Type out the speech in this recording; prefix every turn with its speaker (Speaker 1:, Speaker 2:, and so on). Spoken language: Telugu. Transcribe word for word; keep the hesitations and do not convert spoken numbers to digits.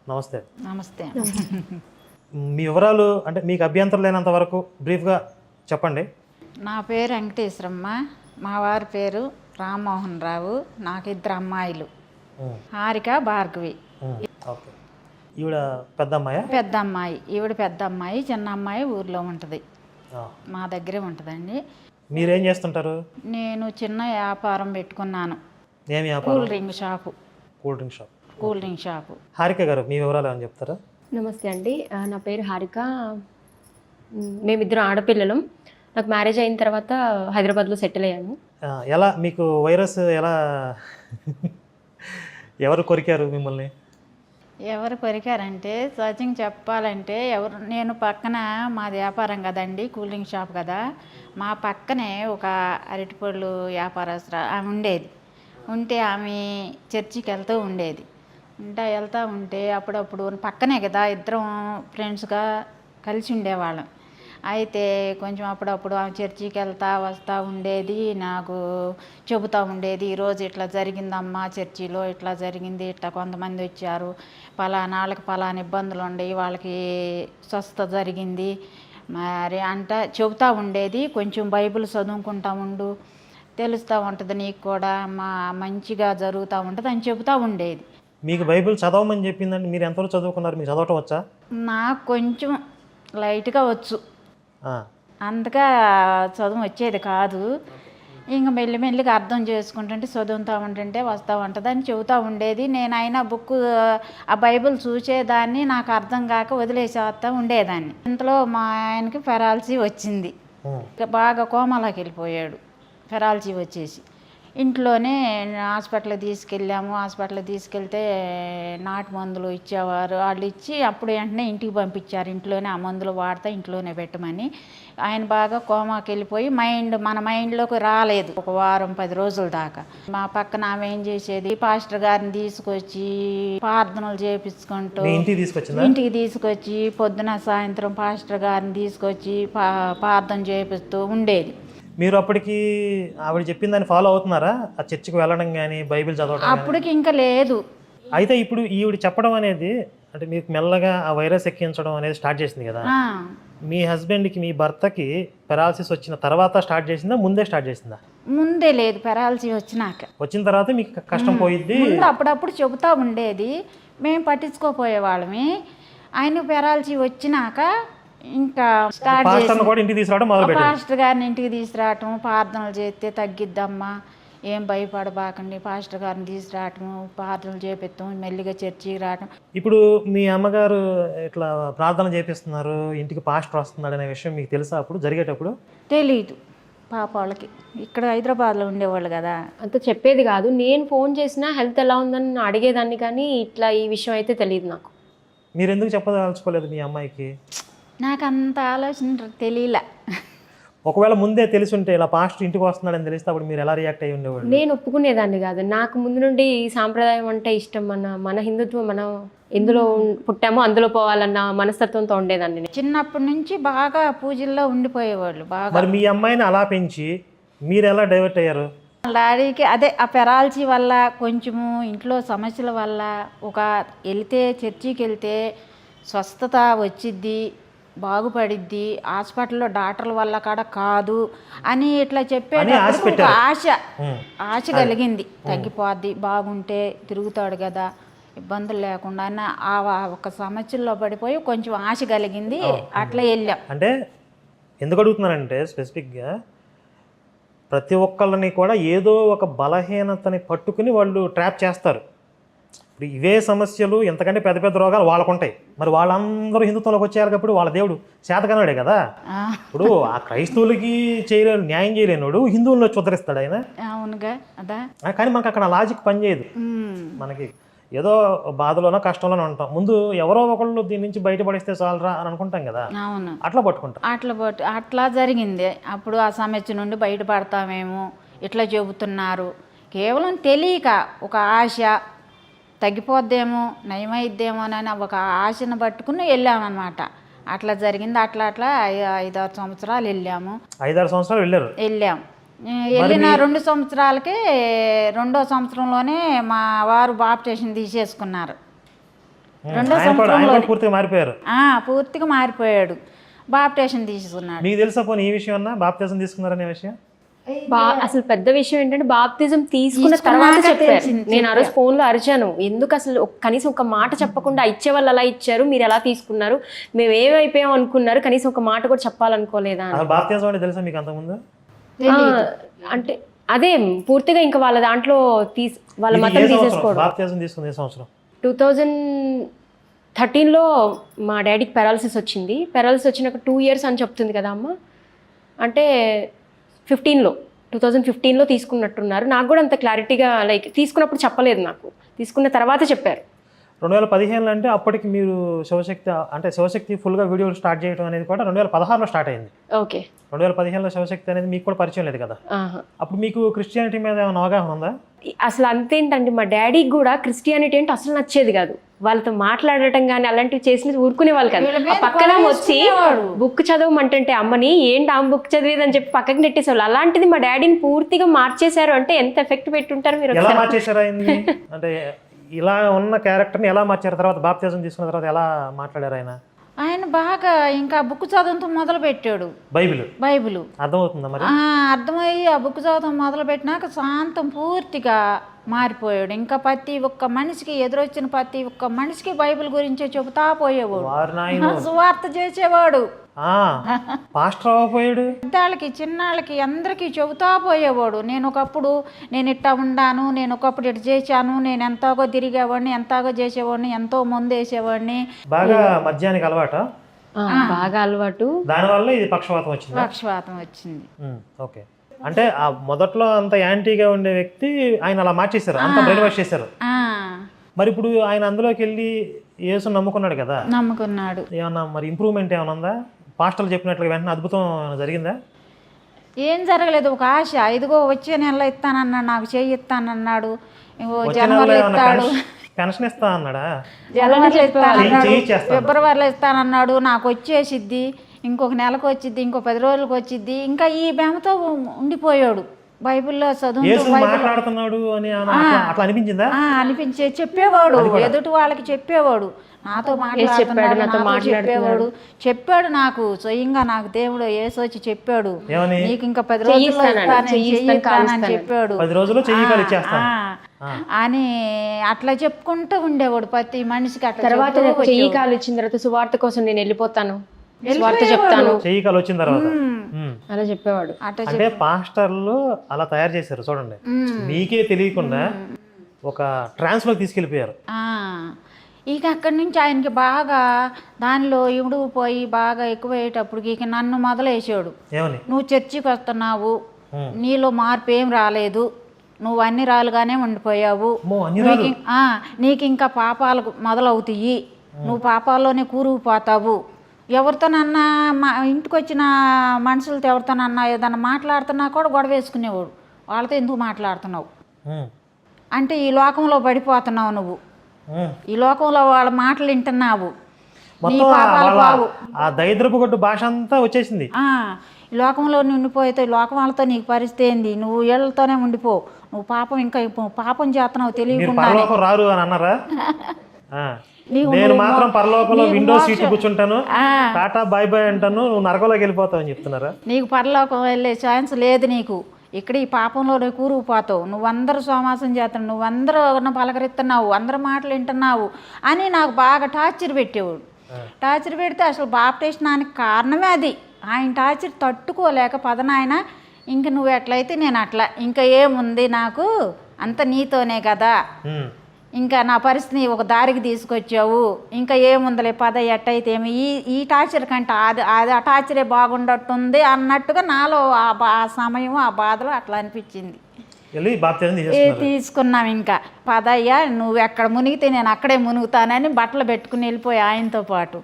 Speaker 1: నమస్తే.
Speaker 2: నమస్తే.
Speaker 1: మీ వివరాలు అంటే మీకు అభ్యంతరం లేనంత వరకు బ్రీఫ్గా చెప్పండి.
Speaker 2: నా పేరు వెంకటేశ్వరమ్మ, మా వారి పేరు రామ్మోహన్ రావు. నాకు ఇద్దరు అమ్మాయిలు, హారిక, భార్గవి.
Speaker 1: ఓకే. ఈవిడ పెద్ద అమ్మాయా?
Speaker 2: పెద్ద అమ్మాయి. ఈవిడ పెద్ద అమ్మాయి, చిన్న అమ్మాయి ఊర్లో ఉంటుంది, మా దగ్గరే ఉంటుందండి.
Speaker 1: మీరేం చేస్తుంటారు?
Speaker 2: నేను చిన్న వ్యాపారం పెట్టుకున్నాను.
Speaker 1: ఏమి వ్యాపారం?
Speaker 2: Cool drink shop.
Speaker 1: Cool drink shop.
Speaker 2: Cool drink shop.
Speaker 1: Harika గారు, మీ వివరాలు ఏమైనా చెప్తారా?
Speaker 3: నమస్తే అండి, నా పేరు హారిక. మేమిద్దరం ఆడపిల్లలం. నాకు మ్యారేజ్ అయిన తర్వాత హైదరాబాద్లో సెటిల్ అయ్యాను.
Speaker 1: ఎలా మీకు వైరస్ ఎలా ఎవరు కొరికారు మిమ్మల్ని?
Speaker 2: ఎవరు కొరికారంటే సచిన్ చెప్పాలంటే ఎవరు, నేను పక్కన మా వ్యాపారం కదండి, కూల్ డ్రింక్ షాప్ కదా, మా పక్కనే ఒక అరటిపళ్ళు వ్యాపారస్తురా ఆమె ఉండేది. ఉంటే ఆమె చర్చికి వెళ్తూ ఉండేది. ఇంకా వెళ్తూ ఉంటే అప్పుడప్పుడు పక్కనే కదా, ఇద్దరం ఫ్రెండ్స్గా కలిసి ఉండేవాళ్ళం. అయితే కొంచెం అప్పుడప్పుడు ఆమె చర్చికి వెళ్తా వస్తూ ఉండేది, నాకు చెబుతూ ఉండేది, ఈరోజు ఇట్లా జరిగిందమ్మా, చర్చిలో ఇట్లా జరిగింది, ఇట్లా కొంతమంది వచ్చారు, పలానా వాళ్ళకి పలానా ఇబ్బందులు ఉండేవి, వాళ్ళకి స్వస్థత జరిగింది మరి అంట చెబుతూ ఉండేది. కొంచెం బైబిల్ చదువుకుంటా ఉండు, తెలుస్తూ ఉంటుంది నీకు కూడా, మా మంచిగా జరుగుతూ ఉంటుంది అని చెబుతూ ఉండేది.
Speaker 1: మీకు బైబిల్ చదవమని చెప్పిందండి. మీరు ఎంతవరకు చదువుకున్నారు? మీకు చదవటం వచ్చా?
Speaker 2: నాకు కొంచెం లైట్గా వచ్చు, అంతగా చదువు వచ్చేది కాదు. ఇంకా మెల్లిమెల్లిగా అర్థం చేసుకుంటుంటే చదువుతూ ఉంటుంటే వస్తూ ఉంటుంది అని చెబుతూ ఉండేది. నేను అయినా బుక్ ఆ బైబిల్ చూసేదాన్ని, నాకు అర్థం కాక వదిలేసేస్తా ఉండేదాన్ని. ఇంతలో మా ఆయనకి పెరాలసీ వచ్చింది, బాగా కోమాలోకి వెళ్ళిపోయాడు. పెరాలసీ వచ్చేసి ఇంట్లోనే హాస్పిటల్కి తీసుకెళ్ళాము. హాస్పిటల్కి తీసుకెళ్తే నాటు మందులు ఇచ్చేవారు, వాళ్ళు ఇచ్చి అప్పుడు వెంటనే ఇంటికి పంపించారు. ఇంట్లోనే ఆ మందులు వాడితే ఇంట్లోనే పెట్టమని. ఆయన బాగా కోమాకి వెళ్ళిపోయి మైండ్ మన మైండ్లోకి రాలేదు ఒక వారం పది రోజుల దాకా. మా పక్కన ఆమె ఏం చేసేది, పాస్టర్ గారిని తీసుకొచ్చి ప్రార్థనలు చేపించుకుంటూ ఇంటికి తీసుకొచ్చి పొద్దున సాయంత్రం పాస్టర్ గారిని తీసుకొచ్చి ప్రార్థన చేపిస్తూ ఉండేది.
Speaker 1: మీరు అప్పటికి ఆవిడ చెప్పిన దాన్ని ఫాలో అవుతున్నారా? ఆ చర్చికి వెళ్ళడం కానీ బైబిల్ చదవడం?
Speaker 2: అప్పటికి ఇంకా లేదు.
Speaker 1: అయితే ఇప్పుడు ఈవిడ చెప్పడం అనేది అంటే మీకు మెల్లగా ఆ వైరస్ ఎక్కించడం అనేది స్టార్ట్ చేసింది కదా. మీ హస్బెండ్కి, మీ భర్తకి పెరాలసిస్ వచ్చిన తర్వాత స్టార్ట్ చేసిందా, ముందే స్టార్ట్ చేసిందా?
Speaker 2: ముందే లేదు, పెరాలసీ వచ్చినాక.
Speaker 1: వచ్చిన తర్వాత మీకు కష్టం పోయిద్ది.
Speaker 2: అప్పుడప్పుడు చెబుతూ ఉండేది, మేము పట్టించుకోపోయేవాళ్ళమి. ఆయన పెరాలసీ వచ్చినాక ఇంకా స్టార్ట్ చేసి పాస్టర్ గారిని ఇంటికి తీసుకురావటం, ప్రార్థనలు చేస్తే తగ్గిద్దమ్మా, ఏం భయపడబాకండి, పాస్టర్ గారిని తీసుకురావటం, ప్రార్థనలు చేపిస్తాం, మెల్లిగా చర్చికి రావటం.
Speaker 1: ఇప్పుడు మీ అమ్మగారు ఇట్లా ప్రార్థన చేపిస్తున్నారు, ఇంటికి పాస్టర్ వస్తున్నాడు అనే విషయం మీకు తెలుసా? అప్పుడు జరిగేటప్పుడు
Speaker 2: తెలీదు పాప వాళ్ళకి. ఇక్కడ హైదరాబాద్లో ఉండేవాళ్ళు కదా,
Speaker 3: అంత చెప్పేది కాదు. నేను ఫోన్ చేసినా హెల్త్ ఎలా ఉందని అడిగేదాన్ని, కానీ ఇట్లా ఈ విషయం అయితే తెలియదు నాకు.
Speaker 1: మీరు ఎందుకు చెప్పదలుచుకోలేదు మీ అమ్మాయికి?
Speaker 2: నాకు అంత ఆలోచన తెలియలే.
Speaker 1: ఒకవేళ ముందే తెలిసి ఉంటే ఇలా పాస్టర్ ఇంటికి వస్తున్నాడని తెలిస్తే అప్పుడు మీరు ఎలా రియాక్ట్ అయ్యి ఉండేవాళ్ళు?
Speaker 3: నేను ఒప్పుకునేదాన్ని కాదు. నాకు ముందు నుండి ఈ సాంప్రదాయం అంటే ఇష్టం. మన మన హిందుత్వం, మనం ఎందులో పుట్టామో అందులో పోవాలన్న మనస్తత్వంతో ఉండేదాన్ని.
Speaker 2: చిన్నప్పటి నుంచి బాగా పూజల్లో ఉండిపోయేవాళ్ళు బాగా.
Speaker 1: మరి మీ అమ్మాయిని అలా పెంచి మీరు ఎలా డైవర్ట్ అయ్యారు?
Speaker 2: డాడీకి అదే ఆ పెరాలసీ వల్ల, కొంచెము ఇంట్లో సమస్యల వల్ల, ఒక వెళ్తే చర్చికి వెళ్తే స్వస్థత వచ్చిద్ది, బాగుపడిద్ది, హాస్పిటల్లో డాక్టర్ల వల్ల కాడ కాదు అని ఇట్లా చెప్పేటప్పుడు ఆశ ఆశ కలిగింది. తగ్గిపోద్ది, బాగుంటే తిరుగుతాడు కదా, ఇబ్బందులు లేకుండా అని ఆ ఒక సమస్యల్లో పడిపోయి కొంచెం ఆశ కలిగింది. అట్లా వెళ్ళాం.
Speaker 1: అంటే ఎందుకు అడుగుతున్నానంటే స్పెసిఫిక్గా ప్రతి ఒక్కళ్ళని కూడా ఏదో ఒక బలహీనతని పట్టుకుని వాళ్ళు ట్రాప్ చేస్తారు. ఇప్పుడు ఇవే సమస్యలు, ఎంతకంటే పెద్ద పెద్ద రోగాలు వాళ్ళకు ఉంటాయి. మరి వాళ్ళందరూ హిందుత్వంలోకి వచ్చేయాలి కాబట్టి వాళ్ళ దేవుడు చేతకనాడే కదా. ఇప్పుడు ఆ క్రైస్తవులకి చేయలేను, న్యాయం చేయలేనుడు హిందువుల్లో చుదరిస్తాడు ఆయన.
Speaker 2: అవునుగా అదా.
Speaker 1: కానీ మనకు అక్కడ లాజిక్ పనిచేయదు. మనకి ఏదో బాధలోనో కష్టంలోనో ఉంటాం, ముందు ఎవరో ఒకళ్ళు దీని నుంచి బయటపడిస్తే చాలరా అని అనుకుంటాం కదా.
Speaker 2: అవును,
Speaker 1: అట్లా పట్టుకుంటాం.
Speaker 2: అట్లా పట్టు అట్లా జరిగింది. అప్పుడు ఆ సమస్య నుండి బయటపడతామేమో ఇట్లా చెబుతున్నారు. కేవలం తెలియక ఒక ఆశ, తగ్గిపోద్దేమో, నయమైద్దేమో అని ఒక ఆశను పట్టుకుని వెళ్ళామన్నమాట. అట్లా జరిగింది. అట్లా అట్లా ఐదారు సంవత్సరాలు వెళ్ళాము.
Speaker 1: ఐదారు సంవత్సరాలు వెళ్ళారు
Speaker 2: వెళ్ళాము వెళ్ళిన రెండు సంవత్సరాలకి రెండో సంవత్సరంలోనే మా వారు బాప్టిజం తీసేసుకున్నారు. రెండో
Speaker 1: ఆయన కూడా ఆయన
Speaker 2: సంవత్సరంలో
Speaker 1: కూడా పూర్తిగా మారిపోయారు.
Speaker 2: ఆ, పూర్తిగా మారిపోయాడు. బాప్టేషన్ తీసుకున్నాడు.
Speaker 1: మీకు తెలుసా పోనీ ఈ విషయం అన్నా బాప్తిజం తీసుకున్నారనే విషయం?
Speaker 3: బా అసలు పెద్ద విషయం ఏంటంటే బాప్తిజం తీసుకున్న తర్వాత చెప్పారు. నేను ఆ రోజు ఫోన్లో అరిచాను, ఎందుకు అసలు ఒక- కనీసం ఒక మాట చెప్పకుండా ఇచ్చే వాళ్ళు అలా ఇచ్చారు, మీరు ఎలా తీసుకున్నారు, మేము ఏమైపోయాం అనుకున్నారు, కనీసం ఒక మాట కూడా చెప్పాలనుకోలేదా అని.
Speaker 1: అసలు బాప్తిజం అంటే తెలుసా మీకు అంతకుముందు?
Speaker 3: ఆ, అంటే అదే పూర్తిగా ఇంకా వాళ్ళ దాంట్లో తీసి వాళ్ళ
Speaker 1: ఇది
Speaker 3: మతం
Speaker 1: ఏ సంవత్సరం
Speaker 3: తీసేసుకోవడం.
Speaker 1: బాప్తిజం తీసుకుంది? ఏ సంవత్సరం?
Speaker 3: టూ థౌజండ్ థర్టీన్లో మా డాడీకి పెరాలసిస్ వచ్చింది. పెరాలసిస్ వచ్చినాక టూ ఇయర్స్ అని చెప్తుంది కదా అమ్మ, అంటే ఫిఫ్టీన్లో టూ థౌజండ్ ఫిఫ్టీన్లో తీసుకున్నట్టున్నారు. నాకు కూడా అంత క్లారిటీగా లైక్ తీసుకున్నప్పుడు చెప్పలేదు, నాకు తీసుకున్న తర్వాత చెప్పారు.
Speaker 1: రెండు వేల పదిహేనులో అంటే అప్పటికి మీరు శివశక్తి అంటే శివశక్తి ఫుల్గా వీడియోలు స్టార్ట్ చేయడం అనేది కూడా రెండు వేల పదహారులో స్టార్ట్ అయింది.
Speaker 3: ఓకే.
Speaker 1: రెండు వేల పదిహేనులో శివశక్తి అనేది మీకు కూడా పరిచయం లేదు కదా.
Speaker 3: ఆహా.
Speaker 1: అప్పుడు మీకు క్రిస్టియానిటీ మీద ఏమైనా అవగాహన ఉందా?
Speaker 3: అసలు అంతేంటండి, మా డాడీకి కూడా క్రిస్టియానిటీ అంటే అసలు నచ్చేది కాదు. వాళ్ళతో మాట్లాడటం కానీ అలాంటివి చేసి ఊరుకునే వాళ్ళు కాదు. ఆ పక్కన వచ్చి బుక్ చదవమంటుంటే అమ్మని ఏంటి ఆ బుక్ చదివేదని చెప్పి పక్కకి నెట్టేసేవాళ్ళు. అలాంటిది మా డాడీని పూర్తిగా మార్చేశారు అంటే ఎంత ఎఫెక్ట్ పెట్టుంటారు మీరు.
Speaker 1: ఎలా మార్చేశారు ఆయన్ని? అంటే ఇలా ఉన్న క్యారెక్టర్ని ఎలా మార్చారు? తర్వాత బాప్తిజం తీసుకున్న తర్వాత ఎలా మాట్లాడారు ఆయన?
Speaker 2: ఆయన బాగా ఇంకా బుక్ చదవడంతో మొదలు పెట్టాడు.
Speaker 1: బైబిల్
Speaker 2: బైబిల్
Speaker 1: అర్థమవుతుందా మరి?
Speaker 2: ఆ, అర్థమయ్యి ఆ బుక్ చదవడం మొదలు పెట్టినాక శాంతం పూర్తిగా మారిపోయాడు. ఇంకా ప్రతి ఒక్క మనిషికి ఎదురొచ్చిన ప్రతి ఒక్క మనిషికి బైబిల్ గురించే చెబుతా పోయేవాడు,
Speaker 1: వారు నాయన
Speaker 2: సువార్త చేసేవాడు.
Speaker 1: పాస్టర్ అవ్వపోయాడు.
Speaker 2: పెద్దాళ్ళకి చిన్నాళ్ళకి అందరికీ చెబుతా పోయేవాడు. నేను ఒకప్పుడు నేను ఇట్టా ఉండాను, నేను ఒకప్పుడు ఇటు చేశాను, నేను ఎంతగా తిరిగేవాడిని, ఎంతగా చేసేవాడిని, ఎంతో మందు వేసేవాడిని.
Speaker 1: బాగా మద్యానికి అలవాట,
Speaker 3: బాగా అలవాటు.
Speaker 1: దానివల్ల ఇది పక్షవాతం వచ్చింది.
Speaker 2: పక్షవాతం వచ్చింది.
Speaker 1: ఓకే. అంటే ఆ మొదట్లో అంత యాంటీగా ఉండే వ్యక్తి ఆయన అలా మార్చేశారు, అంత బ్రెయిన్ వాష్ చేశారు.
Speaker 2: ఆ,
Speaker 1: మరి ఇప్పుడు ఆయన అందులోకి వెళ్ళి యేసు నమ్ముకున్నాడు కదా,
Speaker 2: నమ్ముకున్నాడు.
Speaker 1: ఏమన్నా మరి ఇంప్రూవ్మెంట్ ఏమైనా ఉందా? పాస్టర్లు చెప్పినట్లుగా వెంటనే అద్భుతం ఏమైనా జరిగిందా?
Speaker 2: ఏం జరగలేదు. ఒక ఆశ, ఇదిగో వచ్చే నెలలో ఇస్తానన్నాడు, నాకు చేయి ఇస్తానన్నాడు, ఇంకో
Speaker 1: వచ్చే
Speaker 2: జనవరిలో
Speaker 1: నెలలో ఏమన్నా
Speaker 2: ఇస్తాడు,
Speaker 1: పెన్షన్- పెన్షన్ ఇస్తా అన్నాడా?
Speaker 2: జనవరిలో ఇస్తానన్నాడు,
Speaker 1: చేయి చేస్తాను.
Speaker 2: ఫిబ్రవరిలో ఇస్తానన్నాడు, నాకు వచ్చేసిద్ది, ఇంకొక నెలకు వచ్చిద్ది, ఇంకో పది రోజులకు వచ్చిద్ది. ఇంకా ఈ బెమతో ఉండిపోయాడు. బైబిల్లో చదువు
Speaker 1: యేసు మాట్లాడుతున్నాడు అని ఏమన్నా అట్లా- అట్లా అనిపించిందా?
Speaker 2: అనిపించే చెప్పేవాడు, ఎదుటి వాళ్ళకి చెప్పేవాడు, నాతో మాట్లాడుతున్నాడు, నాతో చెప్పేవాడు, చెప్పాడు నాకు స్వయంగా, నాకు దేవుడు యేసు వచ్చి చెప్పాడు,
Speaker 1: ఏమని?
Speaker 2: నీకు ఇంకా పది రోజుల్లో ఇస్తానని, చెయ్యి ఇస్తానని చెప్పాడు.
Speaker 1: పది రోజుల్లో చెయ్యి కాలు ఇచ్చేస్తాను
Speaker 2: ఆ, అని అట్లా చెప్పుకుంటూ ఉండేవాడు ప్రతి మనిషికి. అట్లా
Speaker 3: తర్వాత
Speaker 2: చెబుతూ
Speaker 3: నాకు చెయ్యి కాలు ఇచ్చిన తర్వాత సువార్త కోసం నేను వెళ్ళిపోతాను, సువార్త చెప్తాను,
Speaker 1: చెయ్యి కాలు వచ్చిన తర్వాత ఉమ్.
Speaker 3: అలా చెప్పేవాడు.
Speaker 2: అట్లా
Speaker 1: అంటే పాస్టర్లు అలా తయారు చేశారు చూడండి, మీకే తెలియకుండా ఒక ట్రాన్స్ లోకి తీసుకెళ్ళిపోయారు.
Speaker 2: ఆ, ఇక అక్కడి నుంచి ఆయనకి బాగా దానిలో ఇముడు పోయి బాగా ఎక్కువయ్యేటప్పటికి ఇక నన్ను మొదలేసాడు.
Speaker 1: ఏమని?
Speaker 2: నువ్వు చర్చికి వస్తున్నావు, నీలో మార్పు ఏం రాలేదు, నువ్వు అన్ని రాలుగానే ఉండిపోయావు,
Speaker 1: అమ్మో, అన్ని
Speaker 2: నీకు ఇం- ఆ, నీకు ఇంకా పాపాలు మొదలవుతాయి, నువ్వు పాపాల్లోనే కూరుకుపోతావు, ఎవరితోనన్నా మా ఇంటికి వచ్చిన మనుషులతో ఎవరితోనన్నా ఏదన్నా మాట్లాడుతున్నా కూడా గొడవ వేసుకునేవాడు. వాళ్ళతో ఎందుకు మాట్లాడుతున్నావు
Speaker 1: ఉమ్.
Speaker 2: అంటే ఈ లోకంలో పడిపోతున్నావు, నువ్వు
Speaker 1: ఉమ్.
Speaker 2: ఈ లోకంలో వాళ్ళ మాటలు వింటున్నావు, నీ
Speaker 1: మొత్తం
Speaker 2: పాపాలు
Speaker 1: వాళ్ళ
Speaker 2: బావు.
Speaker 1: ఆ దరిద్రపు గొడ్డు భాష అంతా వచ్చేసింది.
Speaker 2: ఆ, ఈ లోకంలో ఉండిపోతే లోకం వాళ్ళతో నీకు పరిస్థితి ఏంది, నువ్వు వీళ్ళతోనే ఉండిపో, నువ్వు పాపం ఇంకా ఇప్పు- పాపం చేస్తున్నావు
Speaker 1: మీరు
Speaker 2: తెలియకుండా,
Speaker 1: పరలోకం రారు అని అన్నారా? ఆ.
Speaker 2: నీవు-
Speaker 1: నేను
Speaker 2: నువ్వు
Speaker 1: మాత్రం పరలోకంలో
Speaker 2: నీకు
Speaker 1: విండో
Speaker 2: మోక్ష-
Speaker 1: సీట్ కూర్చుంటాను,
Speaker 2: ఆ,
Speaker 1: టాటా బాయ్ బాయ్ అంటాను, నువ్వు నరకంలోకి వెళ్ళిపోతావు అని చెప్తున్నారా?
Speaker 2: నీకు పరలోకం వెళ్ళే ఛాన్స్ లేదు, నీకు ఇక్కడ ఈ పాపంలో కూరుకుపోతావు, నువ్వందరూ సోమాసం చేస్తున్నావు, నువ్వందరూ పలకరిస్తున్నావు, అందరూ మాటలు వింటున్నావు అని నాకు బాగా టార్చర్ పెట్టేవాడు. టార్చర్ పెడితే అసలు బాప్టిస్టానికి కారణమే అది. ఆయన టార్చర్ తట్టుకోలేక పదనాయన ఇంక నువ్వు ఎట్లయితే నేను అట్లా, ఇంకా ఏముంది నాకు, అంత నీతోనే కదా,
Speaker 1: ఉమ్.
Speaker 2: ఇంకా నా పరిస్థితిని ఒక దారికి తీసుకొచ్చావు, ఇంకా ఏముందలే పద ఎట్టయితే ఏమి, ఈ ఈ టార్చర్ కంటే అది అది ఆ టార్చరే బాగుండట్టుంది అన్నట్టుగా నాలో ఆ బా ఆ సమయం ఆ బాధలో అట్లా అనిపించింది.
Speaker 1: వెళ్ళి బాప్తిజం
Speaker 2: ఏ
Speaker 1: తీసేస్తున్నారు.
Speaker 2: తీసుకున్నాం ఇంకా పదయ్యా, నువ్వు ఎక్కడ మునిగితే నేను అక్కడే మునుగుతానని బట్టలు పెట్టుకుని వెళ్ళిపోయి ఆయనతో పాటు.